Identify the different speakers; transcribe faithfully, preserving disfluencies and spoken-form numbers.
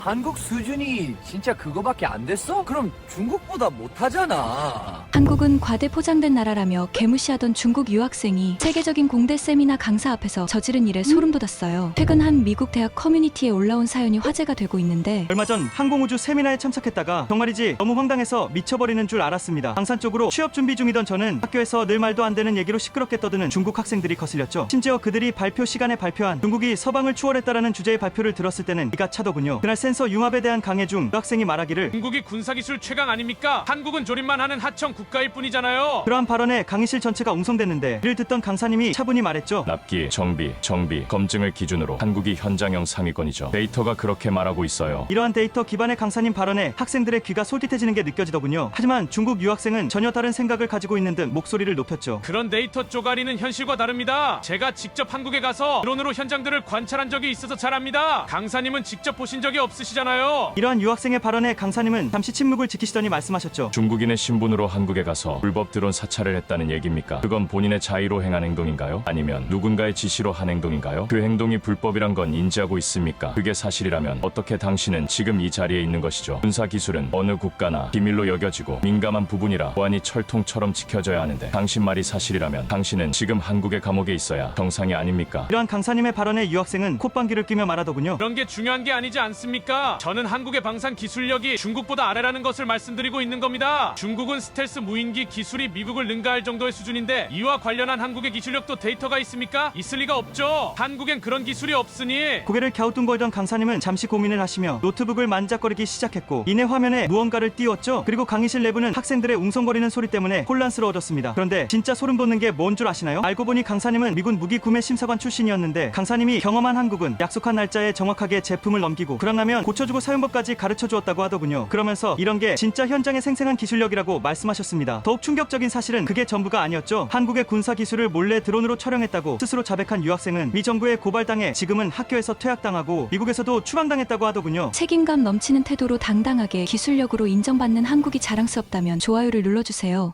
Speaker 1: 한국 수준이 진짜 그거밖에 안 됐어? 그럼 중국보다 못하잖아.
Speaker 2: 한국은 과대 포장된 나라라며 개무시하던 중국 유학생이 세계적인 공대 세미나 강사 앞에서 저지른 일에 소름 돋았어요. 최근 한 미국 대학 커뮤니티에 올라온 사연이 화제가 되고 있는데,
Speaker 3: 얼마 전 항공우주 세미나에 참석했다가 정말이지 너무 황당해서 미쳐버리는 줄 알았습니다. 강산 쪽으로 취업 준비 중이던 저는 학교에서 늘 말도 안 되는 얘기로 시끄럽게 떠드는 중국 학생들이 거슬렸죠. 심지어 그들이 발표 시간에 발표한 중국이 서방을 추월했다라는 주제의 발표를 들었을 때는 이가 차더군요. 그날 센서 융합에 대한 강의 중 유학생이 말하기를
Speaker 4: 중국이 군사기술 최강 아닙니까? 한국은 조립만 하는 하청 국가일 뿐이잖아요.
Speaker 3: 그러한 발언에 강의실 전체가 웅성댔는데 이를 듣던 강사님이 차분히 말했죠.
Speaker 5: 납기, 정비, 정비, 검증을 기준으로 한국이 현장형 상위권이죠. 데이터가 그렇게 말하고 있어요.
Speaker 3: 이러한 데이터 기반의 강사님 발언에 학생들의 귀가 솔깃해지는 게 느껴지더군요. 하지만 중국 유학생은 전혀 다른 생각을 가지고 있는 듯 목소리를 높였죠.
Speaker 4: 그런 데이터 쪼가리는 현실과 다릅니다. 제가 직접 한국에 가서 드론으로 현장들을 관찰한 적이 있어서 잘 압니다. 강사님은 직접 보신 적이 없으시잖아요.
Speaker 3: 이러한 유학생의 발언에 강사님은 잠시 침묵을 지키시더니 말씀하셨죠.
Speaker 5: 중국인의 신분으로 한국에 가서 불법 드론 사찰을 했다는 얘기입니까? 그건 본인의 자의로 행한 행동인가요? 아니면 누군가의 지시로 한 행동인가요? 그 행동이 불법이란 건 인지하고 있습니까? 그게 사실이라면 어떻게 당신은 지금 이 자리에 있는 것이죠? 군사기술은 어느 국가나 비밀로 여겨지고 민감한 부분이라 보안이 철통처럼 지켜져야 하는데 당신 말이 사실이라면 당신은 지금 한국의 감옥에 있어야 정상이 아닙니까?
Speaker 3: 이러한 강사님의 발언에 유학생은 콧방귀를 뀌며 말하더군요.
Speaker 4: 그런 게 중요한 게 아니지 않습니까? 저는 한국의 방산 기술력이 중국보다 아래라는 것을 말씀드리고 있는 겁니다. 중국은 스텔스 무인기 기술이 미국을 능가할 정도의 수준인데 이와 관련한 한국의 기술력도 데이터가 있습니까? 있을 리가 없죠. 한국엔 그런 기술이 없으니.
Speaker 3: 고개를 갸우뚱거리던 강사님은 잠시 고민을 하시며 노트북을 만작거리기 시작했고 이내 화면에 무언가를 띄웠죠. 그리고 강의실 내부는 학생들의 웅성거리는 소리 때문에 혼란스러워졌습니다. 그런데 진짜 소름 돋는 게 뭔 줄 아시나요? 알고 보니 강사님은 미군 무기 구매 심사관 출신이었는데 강사님이 경험한 한국은 약속한 날짜에 정확하게 제품을 넘기고 불황나면 고쳐주고 사용법까지 가르쳐 주었다고 하더군요. 그러면서 이런 게 진짜 현장의 생생한 기술력이라고 말씀하셨습니다. 더욱 충격적인 사실은 그게 전부가 아니었죠. 한국의 군사 기술을 몰래 드론으로 촬영했다고 스스로 자백한 유학생은 미 정부에 고발당해 지금은 학교에서 퇴학당하고 미국에서도 추방당했다고 하더군요.
Speaker 2: 책임감 넘치는 태도로 당당하게 기술력으로 인정받는 한국이 자랑스럽다면 좋아요를 눌러주세요.